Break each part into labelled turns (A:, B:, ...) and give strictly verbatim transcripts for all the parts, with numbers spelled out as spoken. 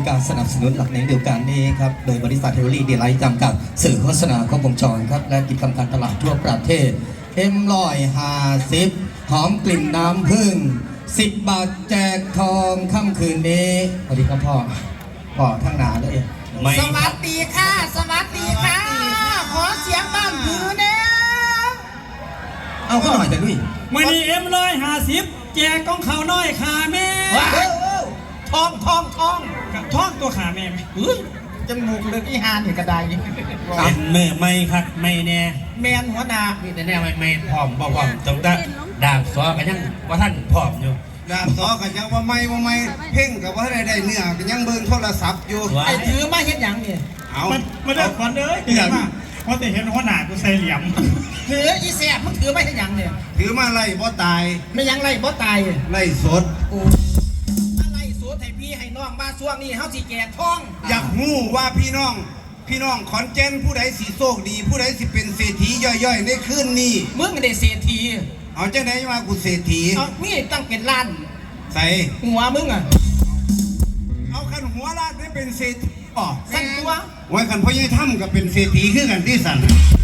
A: การสนับสนุนหลักในเดียวกันนี้ครับโดยบริษัทเทเวอรี่ดีไลท์จำกัดสื่อโฆษณาครบวงจรครับและกิจกรรมการตลาดทั่วประเทศเอ็มลอยฮาซิปหอมกลิ่นน้ำผึ้งสิบบาทแจกทองค่ำคืนนี้สวัสดีครับพ่อพ่อทั้งหนาเลย
B: สวัสดีค่ะสวัสดีค่ะขอเสียงบ้านผือเนี่ย
A: เอาเข้าหน่อยแต่ด้วย
C: วันนี้เอ็มร้อยห้าสิบแจกกองเขาน้อยขาแม่
B: ทองทองทอง
C: กับท้องตัวขาแม่ไหม
B: จมูกเลือดอีหานอยู่กระได
C: เป็นแม่ไม่ครับไม่แน่
B: แมนหัวหน้า
C: นี่แต่แน่ไม่ไม่พร้อมบ่พร้อมตรงนั้นดาบซอกันยังว่าท่านพร้อมอยู่
D: ดาบซอกันยังว่าไม่ว่าไม่เพ่งกับว่าได้ได้เนื้อกันยังเบิ่งโทรศัพท์อยู่
B: ไอ้ถือมาเห็นอย่างนี่
D: เอา
C: มันมันได้ฝันเลยเห็นมาเพราะแต่เห็นหัวหน้ากูใส่เหลี่ยม
B: ถืออีแสบมันถือมาเห็นอย่างเนี่ย
D: ถือมาไล่บ่ตาย
B: ไม่ยังไล่บ่ตาย
D: ไล่สด
B: ไล่สดให้พี่ให้น้องมาช่วงนี้เฮาสิแจกทอง
D: อยากรู้ว่าพี่น้องพี่น้องขอนแก่นผู้ใดสิโชคดีผู้ใดสิเป็นเศรษฐีย่อยๆในคืนนี้
B: มึงได้เศรษฐี
D: เอาจังไหนมากูเศรษฐี
B: เอามีตั้งเป็นล้าน
D: ใส่
B: หัวมึงอ่ะ
D: เอาคันหัวล้านได้เป็นเศรษฐีอ๋อ
B: สั่นตัว
D: ไว้คันพ่อใหญ่ถ้ำก็เป็นเศรษฐีคือกันที่สั่น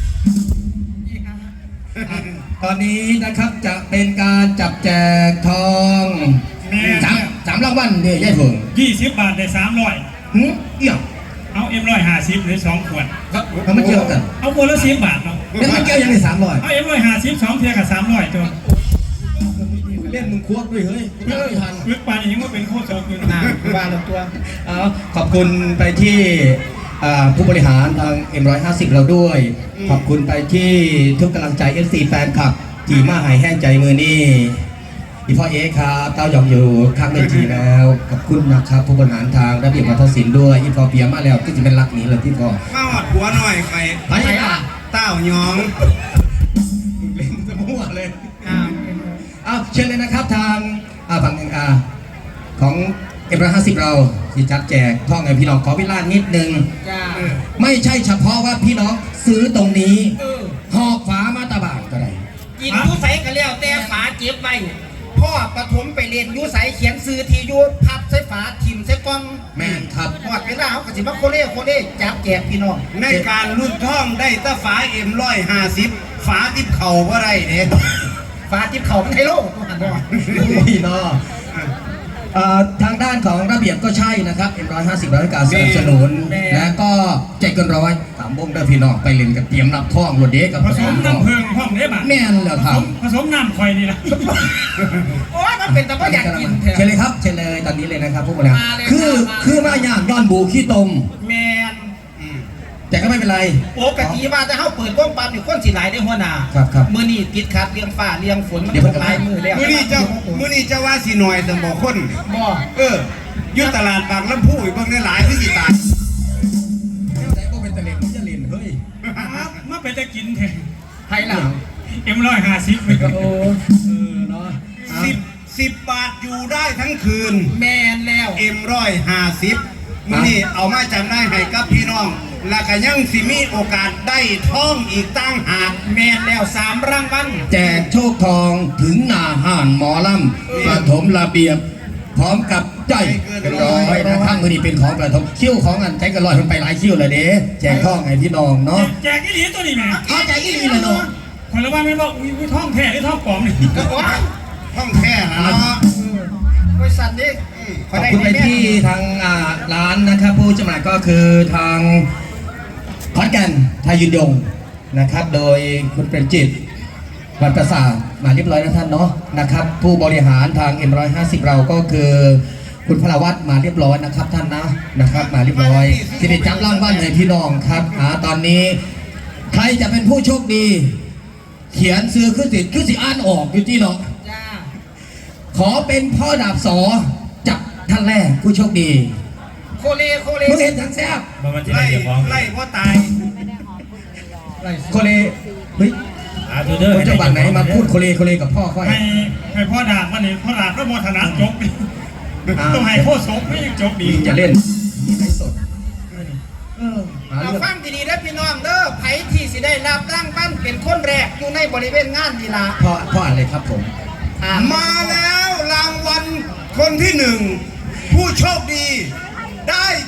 A: ตอนนี้นะครับจะเป็นการจับแจกทองสามสามรางวัลเนี่ยยายเพิ่ง
C: ยี่สิบบาทได้สามร้อย
A: หืมเอี่ยม
C: เอาเอ็มร้อยห้าสิบหรือสองขวด
A: เขาไม่เกี่ยวกัน
C: เอาคนละสิบบาทเนาะ
A: แล้วมันเกี่ยวยังไงสามร้อย
C: เอาเอ็มร้อยห้าสิบสองเทียกับสามร้อยจน
A: เล่นมึงควบด้วยเฮ้ยไม่ทัน
C: ลึกปานยังว่าเป็นโคตรโจรอยู่
B: นะว่าลงตัว
A: เอาขอบคุณไปที่ผู้บริหารทาง เอ็ม ร้อยห้าสิบ เราด้วยขอบคุณไปที่ทุกกำลังใจ เอฟ ซี แฟนคลับจีมาหายแห้งใจมือนี่อีพ่อเอ๊ครับเต้ายองอยู่ข้างเวทีแล้วขอบคุณนะครับผู้บริหารทางระเบียบวัฒนศิลป์ด้วยอีพ่อเปียมาแล้วก็จะเป็นรักนี้เลยที่พ่อ
D: มาหอดหัวหน่อยใคร
A: ไปอ่ะ
D: เต้ายอง
A: เล่นจะมั่วเลยเอาเชิญเลยนะครับทางฝั่งอ่าของเอ็มร้อยห้าสิบเราที่จัดแจกท่องให้พี่น้องขอเวลานิดนึงไม่ใช่เฉพาะว่าพี่น้องซื้อตรงนี้หอบฝามาตาบานก็ได้
B: กินยูใสกันแล้วแต่ฝาเก็บไว้พ่อปฐมไปเรียนยูใสเขียนซื้อทียูพับใส่ฝาทิมใส่กล้อง
A: แม่นครับ
B: หอดเวลาเขากระสิบโคเล่โคเล่จับแจกพี่น้อง
D: ในการรุ่นท่องได้ตาฝาเอ็มร้อยห้าสิบฝาทิพเข่าว่าไรเนี่ย
B: ฝาทิพเข่าเป็นไฮโลตัวหันบ่
A: พี่น้องทางด้านของระเบียบก็ใช่นะครับ เอ็ม ร้อยห้าสิบ ร้อยการสนับสนุนและก็ใจเกินร้อยสามวงเด้อพี่น้องไปเล่นกับเตรียมรับท่องรถเด็กกับ
C: ผสมน้ำเพิงห้องเด็ก
A: แม่นเหรอครับ
C: ผสมน้ำควายนี่นะ
B: โอ้ยมันเป็นแต่ว่าอยากกิน
A: เชิญเลยครับเชิญเลยตอนนี้เลยนะครับพวกเราคือคือมาอย่างย้อนบูขี้ตม
B: แมน
A: แต่ก็ไม่เป็นไร
B: โอ้กะทิว่าจะเข้าเปิดกล้องปั๊มอยู่คนสีหลายได้หัวหน้า
A: ครับครับ
B: มือนี่ติดขัดเลี้ยงฝ้าเลี้ยงฝนมันตกลายมือแล้ว
D: มือนี่เจ้ามือนี่เจ้าว่าสีหน่อยแต่บอกคน
B: บ่
D: เออยุตลาดบางลำพูอีกบางในหลายที่กี่ตา
A: แต่ก็เป็นตะเลนมันจะเล่นเฮ้ย
C: มาเป็นจะกินแทน
B: ไทยหลัง
C: เอ็มร้อยห้าสิบไป
A: โอ้เออเนาะ
D: สิบสิบบาทอยู่ได้ทั้งคืน
B: แมนแล้ว
D: เอ็มร้อยห้าสิบมือนี่เอามาจำได้ให้กับพี่น้องและก็ยังสิมีโอกาสได้ท่องอีกตั้งหาก
B: แมนแล้วสามรางวัล
A: แจกโชคทองถึงหน้าห้านหมอลำปฐมระเบียบพร้อมกับใจเป็นร้อยนะครับมือนี้เป็นของปฐมคิ้วของอันใจกันร้อยมันไปหลายคิ้วเลยเด้แจกท่องไงพี่น้องเนาะ
C: แจกอีหลีตัวนี้แม่
A: เข้าใจอีหลีเลยเนาะ
C: คนละว่าไม่บอกอุ้ยท่องแท้หรือท่องปลอมนี่
D: ท่องแท้นะเนาะ
B: บริษัทนี้
A: ขอบคุณไปที่ทางร้านนะครับผู้จำหน่ายก็คือทางขอนแก่นไทยยืนยงนะครับโดยคุณเปรมจิตวันประสามาเรียบร้อยนะท่านเนาะนะครับผู้บริหารทาง เอ็ม ร้อยห้าสิบ เราก็คือคุณพลวัตมาเรียบร้อยนะครับท่านนะนะครับมาเรียบร้อยสิริจับร่างบ้านให้พี่น้องครับอ่าตอนนี้ใครจะเป็นผู้โชคดีเขียนซื้อขึ้นสิขึ้นสิอ่านออกอยู่ที่เนาะขอเป็นพ่อดาบสอจับท่านแรกผู้โชคดี
B: โคเลโคเล
A: มึงเห็นทั้งแซ่บ
D: ไล่ไล่ว่าตาย
A: โคเลเฮ้ยคนจังหวัดไหนมาพูดโคเลโคเลกับพ่อค่อย
C: ให้ให้พ่อดาบมาเนี่ยพ่อดาบก็โมทนาจบต้องให้พ่อสมไม่ยังจบดี
A: จะเล่นมีไลฟ์สด
B: เราฟังดีๆนะพี่น้องเด้อไผ่ที่สิได้รับร่างบ้านเป็นคนแรกอยู่ในบริเวณงานดีละ
A: พ่อพ่ออะไรครับผม
D: มาแล้วรางวัลคนที่หนึ่งผู้โชคดีได้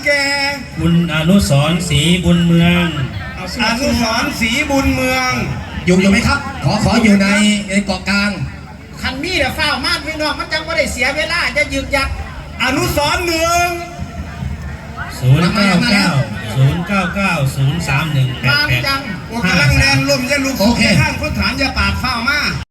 D: แก่
E: คุณอนุสรณ์ศรีบุญเมือง
C: เอา
D: อนุสรณ์ศรีบุญเมือง
A: อยู่อยู่ไหมครับ ขอขออยู่ในในเกาะกลาง
B: คันมีแต่ฝ้าวมาดพี่น้องมันจังไม่ได้เสียเวลาจะยึกยัก
D: อนุสรณ์หนึ่ง
E: ศูนย์เก้าเก้าศูนย์เก้าเก้าศูนย์สามหนึ่งแปด
B: บาง
E: แปด
B: ใจ